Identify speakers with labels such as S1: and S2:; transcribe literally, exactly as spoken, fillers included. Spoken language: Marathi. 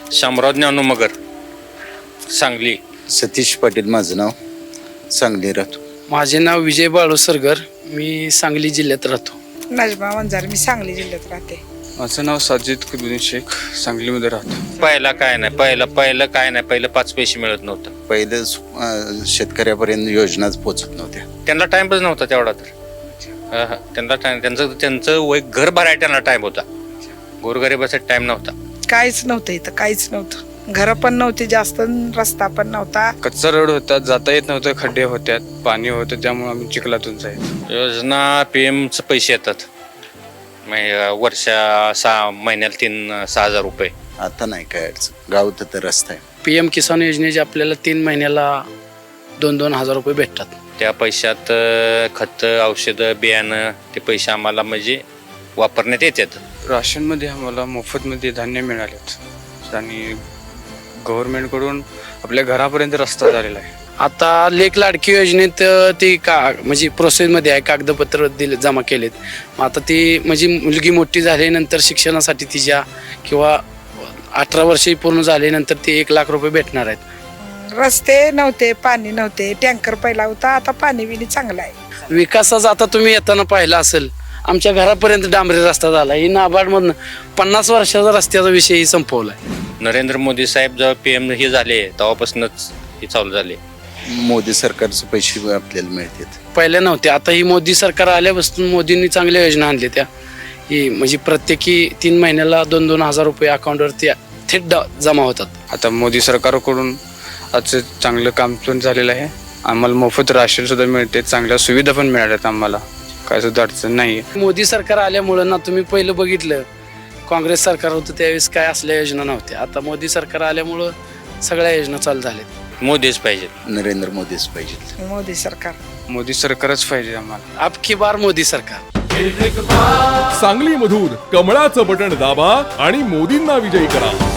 S1: शामराव ज्ञानू मगर, सांगली.
S2: सतीश पाटील माझं नाव, सांगली राहतो.
S3: माझे नाव विजय बाळू सरगर, मी सांगली जिल्ह्यात राहतो.
S4: नजमा वंजार, मी सांगली जिल्ह्यात राहते.
S5: माझं नाव साजिद कुद्दीन शेख, सांगलीमध्ये राहतो.
S1: पहिला काय नाही पहिलं पहिलं काय नाही पहिलं पाच पैसे मिळत नव्हतं.
S2: पहिलं अं, शेतकऱ्यापर्यंत योजनाच पोचत नव्हत्या.
S1: त्यांना टाइमच नव्हता तेवढा तर. हा, हा. त्यांना टाइम त्यांचं त्यांचं वय घर भरायला त्यांना टाइम होता, गोरगरिबासाठी टाइम नव्हता.
S4: काहीच नव्हतं इथं, काहीच नव्हतं. घरं पण नव्हती जास्त, रस्ता पण नव्हता.
S5: कच्चा रोड होता, जाता येत नव्हतं, खड्डे होत्यात, पाणी होतं, त्यामुळे आम्ही चिखलातून जायचो.
S1: योजना पी एमचे पैसे येतात म्हणजे वर्षा सहा महिन्याला तीन सहा हजार रुपये.
S2: आता नाही काय अडचण, गावात तर रस्ता आहे.
S3: पी एम किसान योजनेचे आपल्याला तीन महिन्याला दोन दोन हजार रुपये भेटतात.
S1: त्या पैशात खत, औषधं, बियाणं ते पैसे आम्हाला म्हणजे वापरण्यात येतात.
S5: राशनमध्ये आम्हाला मोफतमध्ये धान्य मिळालेत आणि गव्हर्नमेंटकडून आपल्या घरापर्यंत रस्ता झालेला आहे.
S3: आता लेख लाडकी योजनेत अ, ती का म्हणजे प्रोसेसमध्ये आहे, कागदपत्र दिले जमा केलेत. मग आता ती म्हणजे मुलगी मोठी झाल्यानंतर शिक्षणासाठी तिच्या किंवा अठरा वर्षे पूर्ण झाल्यानंतर ती एक लाख रुपये भेटणार आहेत.
S4: रस्ते नव्हते, पाणी नव्हते, टँकर पहिला होता, आता पाणी बिणी चांगलं आहे.
S3: विकासाचा आता तुम्ही येताना पाहिला असेल, आमच्या घरापर्यंत डांबरी रस्ता झाला. ही नाबार्डमधनं पन्नास वर्षाचा रस्त्याचा विषय संपवला आहे.
S1: नरेंद्र मोदी साहेब जेव्हा पी एम हे झाले तेव्हापासूनच हे चालू झाले.
S2: मोदी सरकारचे पैसे आपल्याला मिळतात.
S3: पहिल्या नव्हते, आता ही मोदी सरकार आल्यापासून मोदींनी चांगल्या योजना आणल्या. त्या ही म्हणजे प्रत्येकी तीन महिन्याला दोन दोन हजार रुपये अकाउंटवरती थेट ड- जमा होतात.
S5: आता मोदी सरकारकडून आजचं चांगलं काम पण झालेलं आहे. आम्हाला मोफत राशन सुद्धा मिळते, चांगल्या सुविधा पण मिळाल्यात आम्हाला, काय सुद्धा अडचण नाही.
S3: मोदी सरकार आल्यामुळं ना, तुम्ही पहिलं बघितलं काँग्रेस सरकार होतं त्यावेळेस काय असल्या योजना नव्हत्या. आता मोदी सरकार आल्यामुळं सगळ्या योजना चालू झाल्यात.
S1: मोदीच पाहिजे.
S2: नरेंद्र मोदीच पाहिजे.
S4: मोदी सरकार
S5: मोदी सरकारच पाहिजे आम्हाला.
S3: अब की बार मोदी सरकार.
S6: सांगलीमधून कमळाचं बटण दाबा आणि मोदींना विजयी करा.